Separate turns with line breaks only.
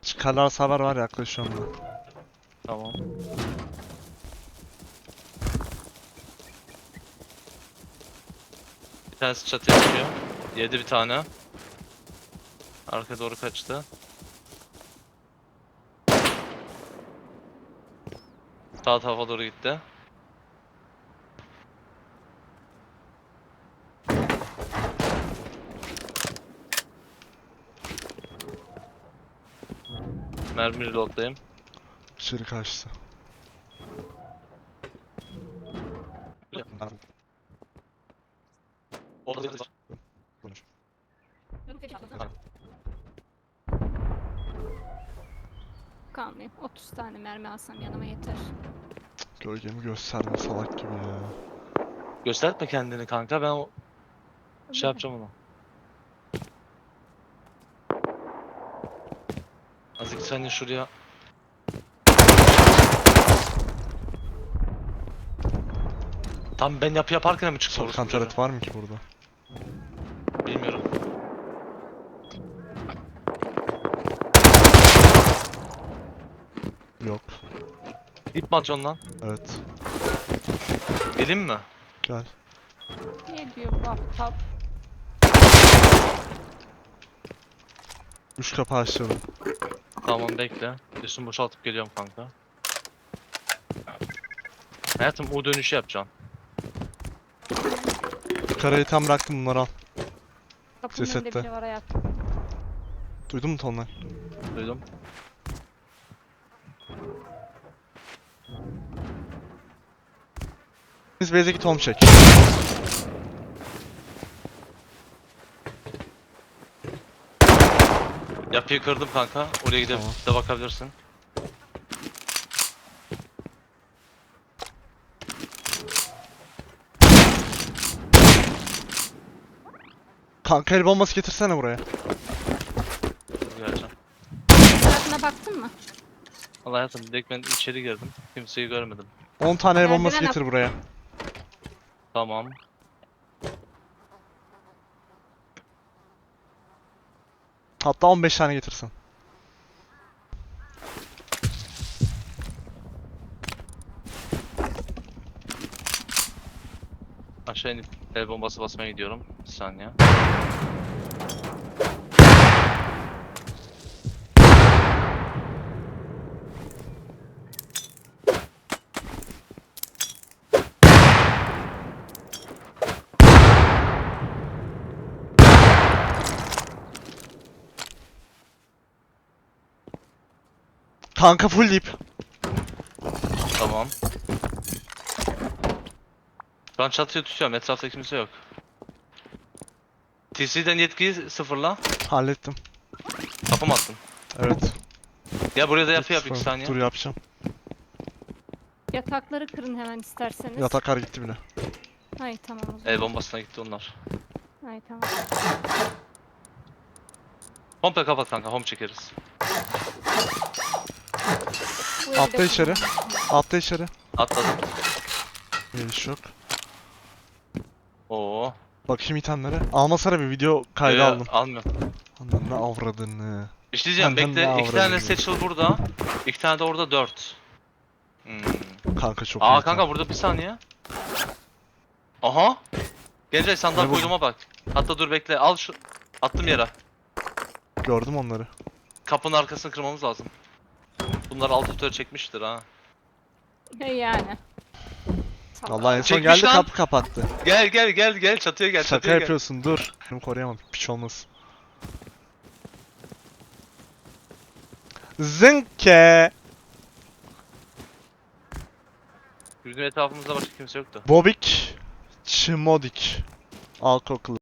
Çıkarlar haber var, yaklaşıyorum ben.
Tamam. Bir tanesi çatıya çıkıyor. Yedi bir tane. Arkaya doğru kaçtı. Sağ tarafa doğru gitti. Mermi reloadlayayım.
İçeri kaçtı.
Orada
Konuş.
Kalmayayım. 30 tane mermi alsam yanıma yeter.
Gölgemi gösterdim salak gibi ya.
gösterme kendini kanka, ben o şey yapacağım onu. Azıcık sen de şuraya. Tam ben yapı yaparken mi çıktı
Sorkan
orası?
taret var mı ki burada?
Bilmiyorum.
Yok.
İp mi atıyorsun lan?
Evet.
Gelin mi?
Gel.
Ne diyor bu aptal?
Üç kapı açıyorum.
Tamam bekle. Üstümü boşaltıp geliyorum kanka. Hayatım U dönüşü yapacağım.
Karayı tam bıraktım, bunları al.
Kapının önünde
Cesette.
biri var hayat.
Duydun mu tonlar?
Duydum.
Biz base'e git, home çek.
Yapıyı kırdım kanka. Oraya gidip
Tamam.
de bakabilirsin.
Kanka el bombası getirsene buraya.
Dur geleceğim.
Tarafına baktın mı?
Vallahi hayatım direkt ben içeri girdim. Kimseyi görmedim.
10 tane el bombası
Merdiven
getir buraya.
Tamam.
Hatta 15 tane getirsin.
Aşağı inip el bombası basmaya gidiyorum. Bir saniye.
Kanka full deep.
Tamam. Ben çatıyı tutuyorum. Etrafta kimse yok. TC'den yetkiyi sıfırla.
Hallettim.
Kapı mı attın?
Evet.
Ya buraya da yapı yap 2 saniye.
Dur yapacağım.
Yatakları kırın hemen isterseniz.
Yataklar gitti bile.
Hay tamam o zaman.
El bombasına gitti onlar.
Hay tamam.
Komple kapat kanka. Home çekeriz.
Bu evde
Atla içeri. Atla içeri.
Atladım.
Geliş yok.
Oo.
Bakayım itemlere. Almasana, bir video kaydı
Yo,
aldım.
almıyorum.
Ananı avradını.
Bir şey diyeceğim.
Benden
Bekle.
ne
2 tane
avradını?
satchel burada. 2 tane de orada 4.
Kanka çok iyi.
Aa kanka burada bir saniye. Aha. Gelecek sandal
Ne bu?
koyduğuma bak. Hatta dur bekle. Al şu. Attım yere.
Gördüm onları.
Kapının arkasını kırmamız lazım. Bunlar alt tutarı çekmiştir ha.
He yani. Salak.
Allah en son
Çekmiş
geldi,
lan.
kapı kapattı.
Gel gel gel gel çatıya gel.
Şaka
çatıya gel.
yapıyorsun, dur. Şunu koruyamadım. Piç olmasın. Zınke.
Bizim etrafımızda başka kimse yoktu.
Bobik. Çimodik. Al kokulu.